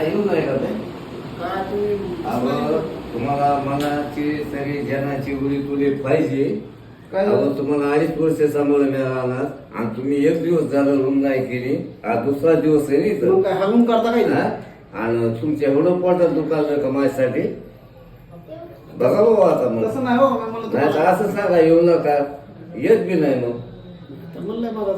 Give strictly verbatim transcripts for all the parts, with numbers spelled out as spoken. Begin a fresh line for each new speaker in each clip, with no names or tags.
येऊ नाही का ते
काय तुम्ही
अहो तुम्हाला मनाची तरी जनाची उडी तुली पाहिजे.
काय
अहो तुम्हाला अडीच वर्ष सांभाळून मिळाला आणि तुम्ही एक दिवस झालं रूम नाही केली. हा दुसरा दिवस आहे नाही
मग काय हागून करता काय
तर आणि तुमच्या एवढं पोटात दुखायलं का माझ्यासाठी बघा बाबा आता मग
तसं नाही हो मला
नाही तर
तुम्हाला-
असं सांगा येऊ नका येत बी नाही मग
तर म्हणलंय मगच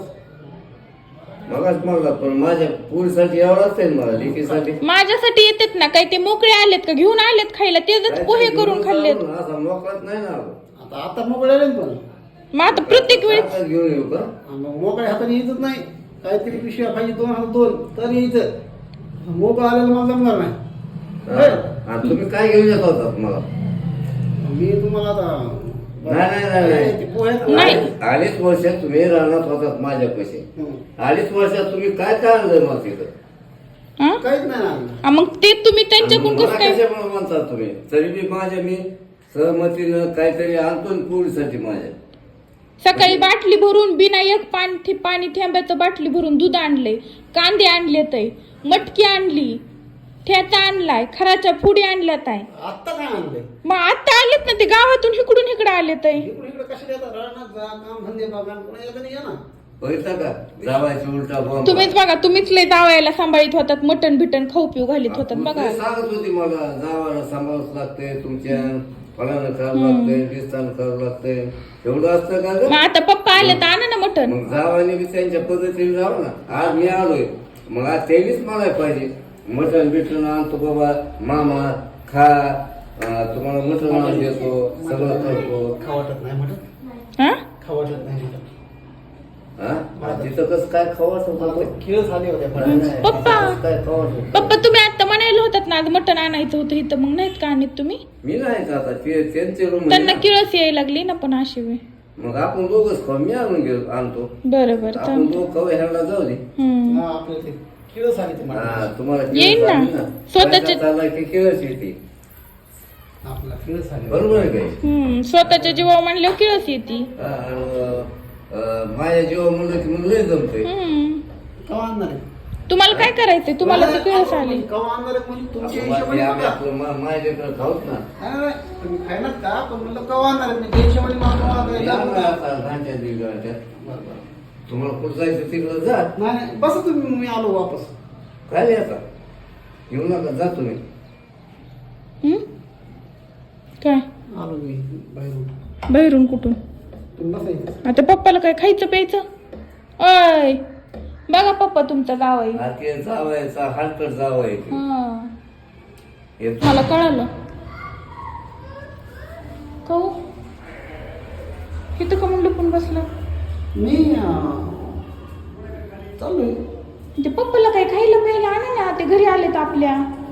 मगाच म्हणला पण माझ्या पोरीसाठी एवढाच आहे मला लेकीसाठी
माझ्यासाठी येतात ना काय ते मोकळे आलेत का घेऊन आलेत खायला तेच पोहे करून खाल्लेत.
असा मोकळाच नाही ना
आता आता मोकळे आले ना पण
मग आता प्रत्येक वेळेस
आताच घेऊन येऊ का
मग मोकळ्या हाताने यायचंच नाही काहीतरी पिशव्या पाहिजे दोन हात दोन तर यायचं मोकळं आलेलं मला जमणार नाही
हा. आणि तुम्ही काय घेऊन येत होता मला
मी तुम्हाला आता
नाही नाही नाही नाही
ते पोह्यात-
नाही.
अडीच वर्षात तुम्ही राहणार होतात माझ्या पैसे
हं.
अडीच वर्षात तुम्ही काय काय आणलं मला तिथं
हा?
काहीच नाही आणलं.
हा, मग ते तुम्ही त्यांच्याकडून
मला
कसं काय
कशामुळे म्हणतात तुम्ही तरी बी माझ्या मी सहमतीनं काहीतरी आणतो ना पोरीसाठी माझ्या
सकाळी बाटली भरून बिना एक पाणी पाणी थेंब्याचं बाटली भरून दूध आणले, कांदे आणले तय, मटकी आणली, ठेचा आणलाय, खराच्या पुडी आणल्यात आहे.
आत्ता काय आणलंय
मग आता आलेत ना ते गावातून इकडून इकडे आलेत आहे.
इकडे इकडे कशाला येतात राहणार जा काम धंदे बघा पुन्हा येतं नाही या ना
बघितलं का जावायची उलटा बॉम्ब
तुम्हीच बघा तुम्हीच लय जावायला सांभाळीत होतात मटण बिटन खाऊ पिऊ घालीत होतात
मग
बघा.
ते सांगत होती मला जावायला सांभाळावंच लागतंय तुमच्या फळानं करावं लागतंय दिसताना करावं लागतंय एवढं असतं का ग
मग आता पप्पा आले तर आणा ना मटण.
मग जावाने बी त्यांच्या पद्धतीने जावं ना आज मी आलोय मग आज त्यांनीच मला पाहिजे मटण बिटण आणतो बाबा मामा खा अं, तुम्हाला मटण आणून देतो सगळं करतो
खाऊ वाटत नाही म्हणत
हा
खाऊ वाटत नाही म्हणत
हा तिथं कसं काय खवाच होतं
खेळ झाले होते
पप्पा.
काय खवाच होतं
पप्पा तुम्ही आता म्हणायला होतात ना आज मटण आणायचं होतं इथं मग नाहीत का आणत तुम्ही.
मी नाही का आता ते त्यांचे रूम
त्यांना किळस यायला लागली ना पण अशी वेळ.
मग आपण दोघच खाऊ मी आणून घेऊ आणतो
बरं बरं
आपण
चालतं.
दोघ खाऊ ह्याला जाऊ दे
हम्म.
आपले ते खेळ झाले ते मला
हा तुम्हाला
येईन
केळस
ना.
आली ना
स्वतःचे-
पैसा चालला की केळस येते
आपला खेळ झाले
बरोबर आहे काय
हम्म स्वतःच्या जीवा म्हणल्यावर किळस येते.
हा, आणि, अं, माझ्या जीवा म्हणलं की मग लय जमतंय
हम्म
कवा आणणार आहे
तुम्हाला काय करायचंय तुम्हाला ती किळस आली.
कवा आणणार आहे म्हणजे तुमच्या
आपण
हिशोबाने
आम्ही
बघा.
आपलं मा- माझ्या लेकरं खाऊच ना
नाही, नाही, तुम्ही खायनात का पण म्हणलं कवा आणणार आहे म्हणजे हिशोबाने मला कवा आणणार आहे?
या ना आता घाट्यात बिघाट्यात.
बरं, बरं.
तुम्हाला कुठं जायचं तिकडं जा
नाही नाही बस तुम्ही मी आलो वापस
काय नाही आता येऊ नका जा तुम्ही
हम्म काय
आलो मी बाहेरून
बाहेरून कुठून
तुम्ही बसायचं
आता पप्पाला काय खायचं प्यायचं. अय बघा पप्पा तुमचा जावाई.
हा ते जावायचा हलकट जावाय ते.
हा
येतो.
मला कळालं कहू इथं का म्हणलं पण बसलं.
मी अं, चाललोय
ते पप्पाला काय खायला प्यायला आणा ना ते घरी आलेत आपल्या.